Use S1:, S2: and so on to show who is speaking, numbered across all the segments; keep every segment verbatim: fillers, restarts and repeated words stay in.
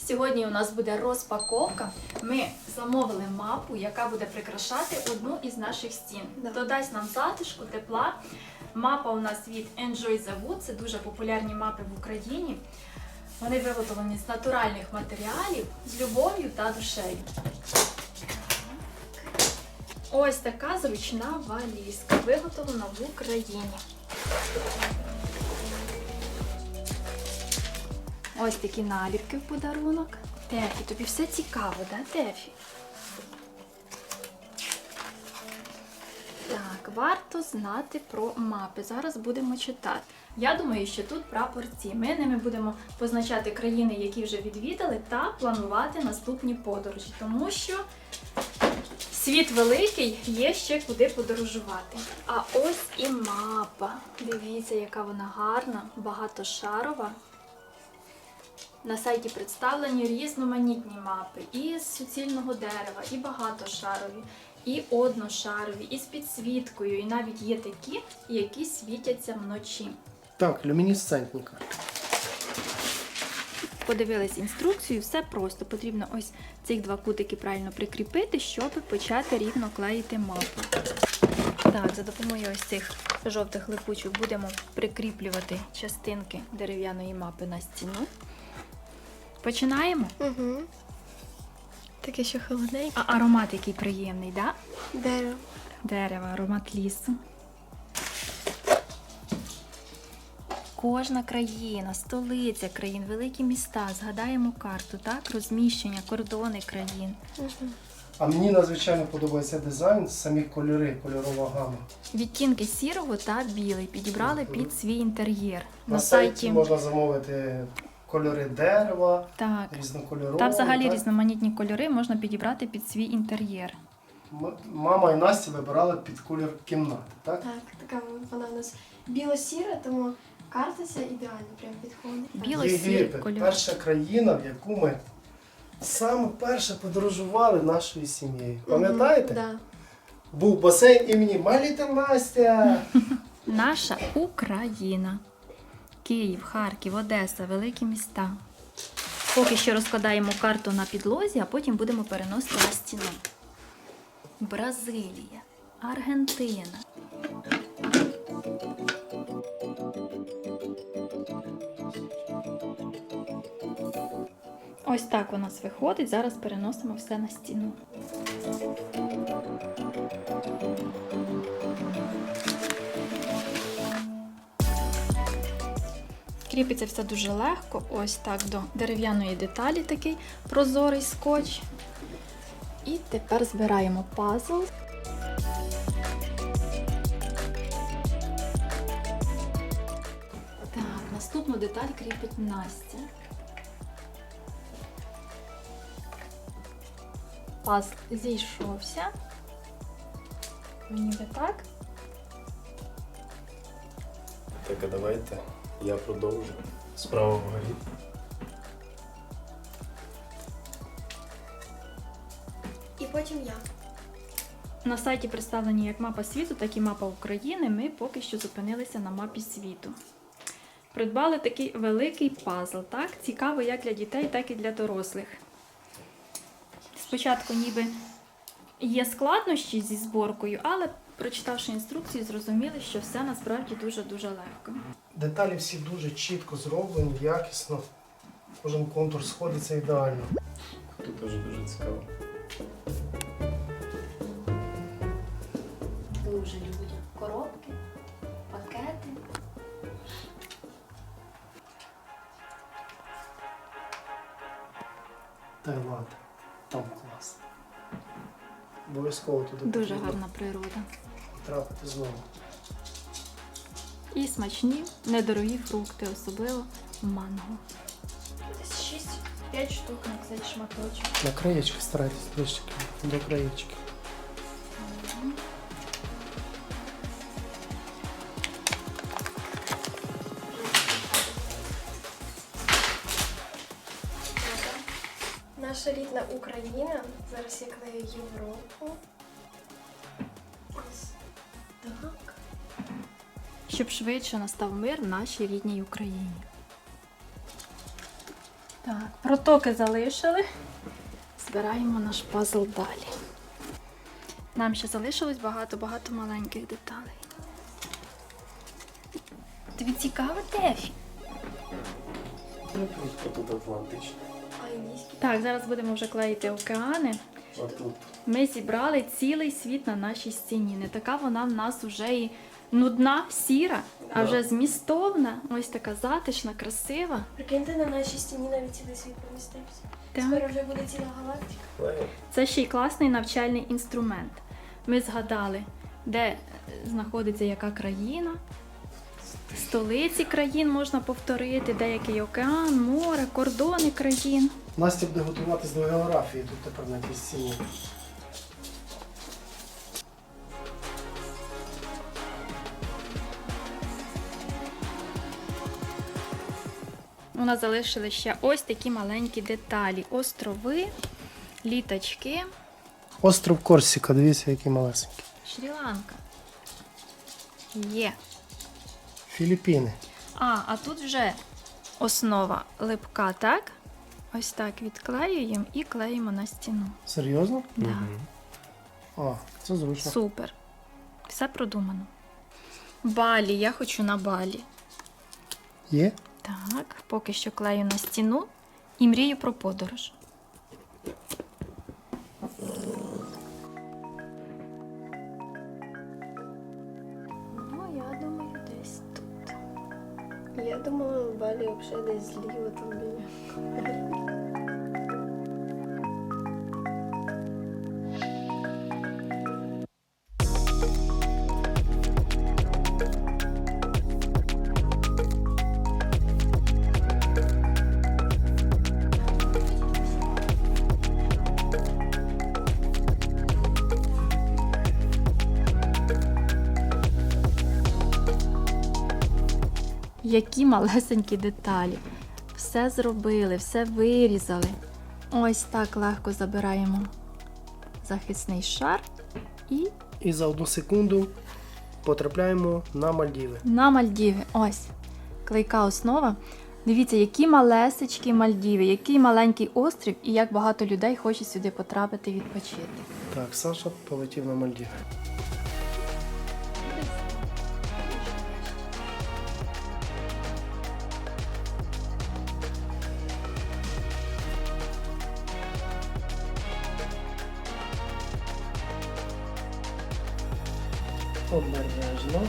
S1: Сьогодні у нас буде розпаковка. Ми замовили мапу, яка буде прикрашати одну із наших стін.
S2: Да.
S1: Додасть нам затишку, тепла. Мапа у нас від Enjoy the Wood. Це дуже популярні мапи в Україні. Вони виготовлені з натуральних матеріалів, з любов'ю та душею. Ось така зручна валізка, виготовлена в Україні. Ось такі наліпки в подарунок. Тефі, тобі все цікаво, да, Тефі? Так, варто знати про мапи. Зараз будемо читати. Я думаю, що тут прапорці. Ми ними будемо позначати країни, які вже відвідали, та планувати наступні подорожі. Тому що світ великий, є ще куди подорожувати. А ось і мапа. Дивіться, яка вона гарна, багатошарова. На сайті представлені різноманітні мапи і з суцільного дерева, і багатошарові, і одношарові, і з підсвіткою, і навіть є такі, які світяться вночі.
S3: Так, люмінесцентні карти.
S1: Подивились інструкцію, все просто. Потрібно ось цих два кутики правильно прикріпити, щоб почати рівно клеїти мапу. Так, за допомогою ось цих жовтих липучок будемо прикріплювати частинки дерев'яної мапи на стіну. Починаємо?
S2: Угу. Таке ще холодненьке.
S1: А аромат який приємний, да?
S2: Дерево.
S1: Дерева, аромат лісу. Кожна країна, столиця країн, великі міста. Згадаємо карту, так? Розміщення, кордони країн.
S2: Угу.
S3: А мені надзвичайно подобається дизайн, самі кольори, кольорова гама.
S1: Відтінки сірого та білий підібрали під свій інтер'єр.
S3: На,
S1: На
S3: сайті
S1: сайті
S3: можна замовити кольори дерева,
S1: так.
S3: різнокольорові.
S1: Та взагалі
S3: так?
S1: різноманітні кольори можна підібрати під свій інтер'єр.
S3: М- Мама і Настя вибирали під колір кімнати, так?
S2: Так, така вона у нас біло-сіра, тому карта ця ідеально прям підходить.
S1: Біло-сірий
S3: Єгипет,
S1: кольор.
S3: перша країна, в яку ми саме перше подорожували нашою сім'єю. Пам'ятаєте?
S2: Да.
S3: Був басейн імені My Little Настя.
S1: Наша Україна. Київ, Харків, Одеса, великі міста. Поки що розкладаємо карту на підлозі, а потім будемо переносити на стіну. Бразилія, Аргентина. Ось так у нас виходить. Зараз переносимо все на стіну. Кріпиться все дуже легко, ось так до дерев'яної деталі такий прозорий скотч. І тепер збираємо пазл. Так, наступну деталь кріпить Настя. Пазл зійшовся. Ніби так.
S3: Так, а давайте я продовжу. Справа вгорі.
S2: І потім я.
S1: На сайті представлені як мапа світу, так і мапа України. Ми поки що зупинилися на мапі світу. Придбали такий великий пазл, так? Цікаво як для дітей, так і для дорослих. Спочатку ніби є складнощі зі зборкою, але прочитавши інструкцію, зрозуміли, що все насправді дуже-дуже легко.
S3: Деталі всі дуже чітко зроблені, якісно. Кожен контур сходиться ідеально. Тут дуже-дуже цікаво.
S1: Дуже люблю коробки, пакети.
S3: Таїланд. Там клас. Обов'язково туди
S1: Дуже
S3: потрібно
S1: гарна природа.
S3: трапити знову.
S1: І смачні, недорогі фрукти, особливо манго. Десь шість-п'ять штук на цей шматочок.
S3: На краєчки старайтесь ближче до краєчки.
S2: Наша рідна Україна. Зараз я клею Європу. Ось так.
S1: Щоб швидше настав мир в нашій рідній Україні. Так, протоки залишили. Збираємо наш пазл далі. Нам ще залишилось багато-багато маленьких деталей. Тобі цікаво, Тефі?
S3: Ну, тут Атлантичний.
S2: А індійський?
S1: Так, зараз будемо вже клеїти океани.
S3: А тут
S1: Ми зібрали цілий світ на нашій стіні. Не така вона в нас вже і нудна, сіра, а
S3: Да.
S1: вже змістовна. Ось така затишна, красива.
S2: Прикиньте, на нашій стіні навіть цілий світ помістився.
S1: Так.
S2: Тепер вже буде ціла галактика.
S3: клеїмо.
S1: Це ще й класний навчальний інструмент. Ми згадали, де е, знаходиться яка країна, столиці країн можна повторити, деякий океан, море, кордони країн.
S3: Настя буде готуватись до географії тут тепер на тій стіні.
S1: У нас залишили ще ось такі маленькі деталі. Острови, літачки,
S3: Остров Корсіка, дивіться, який малесенький.
S1: Шрі-Ланка. Є.
S3: Філіппіни.
S1: А, а тут вже основа липка, так? Ось так відклеюємо і клеїмо на стіну.
S3: Серйозно?
S1: Да.
S3: А, це зручно.
S1: Супер. Все продумано. Балі, я хочу на Балі.
S3: Є?
S1: Так, поки що клею на стіну і мрію про подорож. Ну, я думаю, десь тут.
S2: Я думала, Балі взагалі десь зліва там біля.
S1: Які малесенькі деталі. Все зробили, все вирізали. Ось так легко забираємо захисний шар і
S3: І за одну секунду потрапляємо на Мальдіви.
S1: на Мальдіви. Ось клейка основа. Дивіться, які малесечкі Мальдіви, який маленький острів і як багато людей хоче сюди потрапити відпочити.
S3: Так, Саша полетів на Мальдіви. Обережно.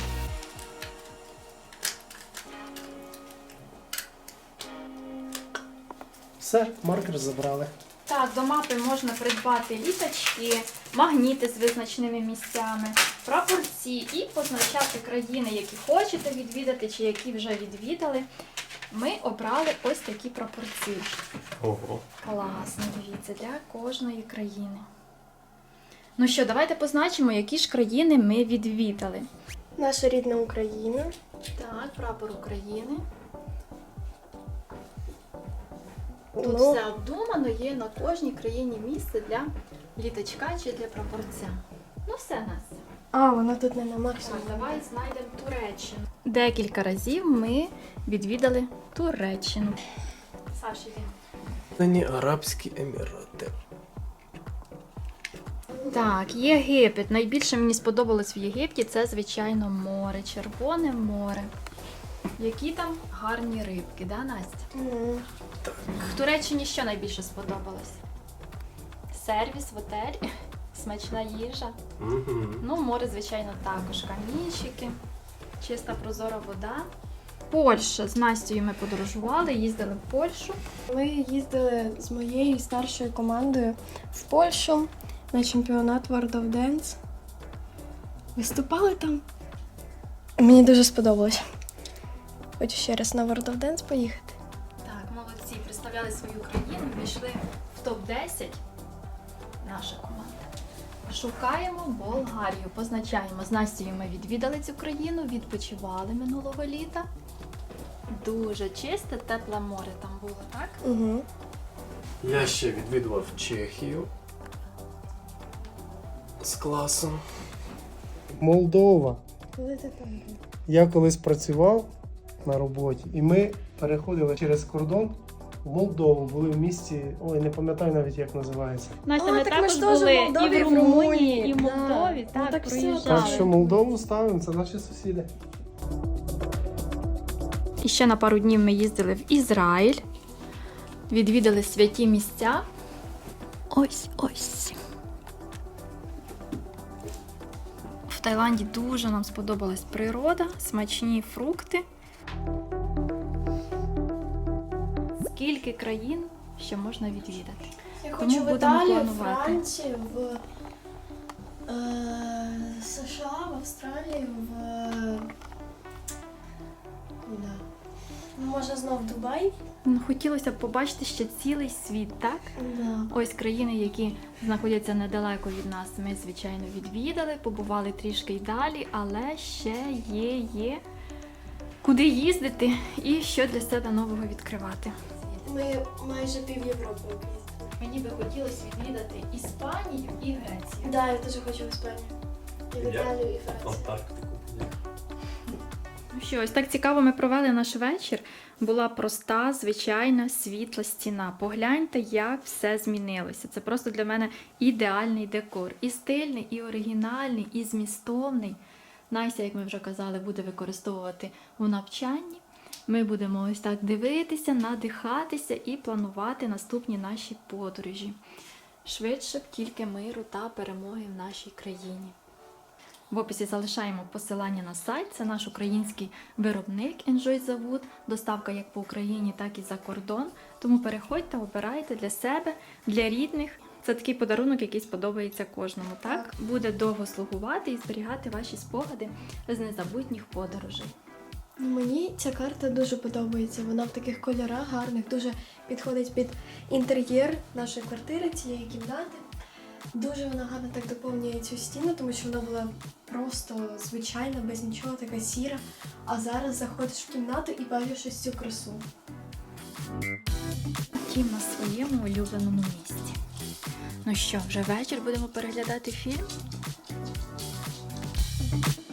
S3: Все, маркер забрали.
S1: Так, до мапи можна придбати літачки, магніти з визначеними місцями, прапорці і позначати країни, які хочете відвідати чи які вже відвідали. Ми обрали ось такі прапорці.
S3: Ого.
S1: Класно, дивіться, для кожної країни. Ну що, давайте позначимо, які ж країни ми відвідали.
S2: Наша рідна Україна.
S1: Так, прапор України. Тут
S2: Ну,
S1: все обдумано, є на кожній країні місце для літачка чи для прапорця. Ну все, Настя.
S2: А, вона тут не на
S1: Так,
S2: максимум.
S1: давай знайдемо Туреччину. Декілька разів ми відвідали Туреччину. Саш, іди.
S3: Нині Арабські Емірати.
S1: Так, Єгипет. Найбільше мені сподобалось в Єгипті це, звичайно, море, Червоне море. Які там гарні рибки, да, Настя?
S2: Мгм.
S1: В Туреччині що найбільше сподобалось? Сервіс в готелі, смачна їжа.
S3: Угу.
S1: Ну, море, звичайно, також. Камінчики, чиста прозора вода. Польща. З Настею ми подорожували, їздили в Польщу.
S2: Ми їздили з моєю старшою командою в Польщу на чемпіонат World of Dance. Виступали там. Мені дуже сподобалось. Хочу ще раз на World of Dance поїхати.
S1: Так, молодці, представляли свою країну, війшли в топ десять. Наша команда. Шукаємо Болгарію, позначаємо. З Настею ми відвідали цю країну, відпочивали минулого літа. Дуже чисте, тепле море там було, так?
S2: Угу.
S3: Я ще відвідував Чехію з класом. Молдова.
S2: Коли ти там був?
S3: Я колись працював на роботі, і ми переходили через кордон в Молдову, були в місті, ой, не пам'ятаю навіть, як називається.
S1: Настя,
S2: А,
S1: ми
S2: так ми
S1: також
S2: ж теж в
S1: були
S2: Молдові,
S1: і в
S2: в
S1: Румунії,
S2: Румунії,
S1: і в
S2: да.
S1: Молдові.
S2: Ну,
S1: Так,
S2: так все.
S1: проїжджали.
S3: Так що Молдову ставимо, це наші сусіди.
S1: І ще на пару днів ми їздили в Ізраїль, відвідали святі місця. Ось, ось. В Таїланді дуже нам сподобалась природа, смачні фрукти. Скільки країн ще можна відвідати?
S2: Я
S1: Тому
S2: хочу в
S1: будемо
S2: Італію, в
S1: планувати.
S2: Францію, в е, США, в Австралію, в. е, Да. Ну, може знов Дубай?
S1: Ну, хотілося б побачити ще цілий світ, так?
S2: Да.
S1: Ось країни, які знаходяться недалеко від нас, ми, звичайно, відвідали, побували трішки й далі, але ще є, є куди їздити і що для себе нового відкривати.
S2: Ми майже пів Європи об'їздили.
S1: Мені би хотілося відвідати Іспанію і Грецію.
S2: Да, я теж хочу в Іспанію. І в
S4: Я-
S2: Італію, і Францію.
S4: Антарктику.
S1: Ну що, ось так цікаво ми провели наш вечір. Була проста, звичайна, світла стіна. Погляньте, як все змінилося. Це просто для мене ідеальний декор. І стильний, і оригінальний, і змістовний. Настя, як ми вже казали, буде використовувати у навчанні. Ми будемо ось так дивитися, надихатися і планувати наступні наші подорожі. Швидше б тільки миру та перемоги в нашій країні. В описі залишаємо посилання на сайт. Це наш український виробник Enjoy the Wood. Доставка як по Україні, так і за кордон. Тому переходьте, обирайте для себе, для рідних. Це такий подарунок, який сподобається кожному. Так?
S2: Так.
S1: Буде довго слугувати і зберігати ваші спогади з незабутніх подорожей.
S2: Ну, мені ця карта дуже подобається. Вона в таких кольорах гарних, дуже підходить під інтер'єр нашої квартири, цієї кімнати. Дуже вона гарно так доповнює цю стіну, тому що вона була просто звичайна, без нічого, така сіра. А зараз заходиш в кімнату і бачиш ось цю красу.
S1: Втім, на своєму улюбленому місці. Ну що, вже вечір будемо переглядати фільм?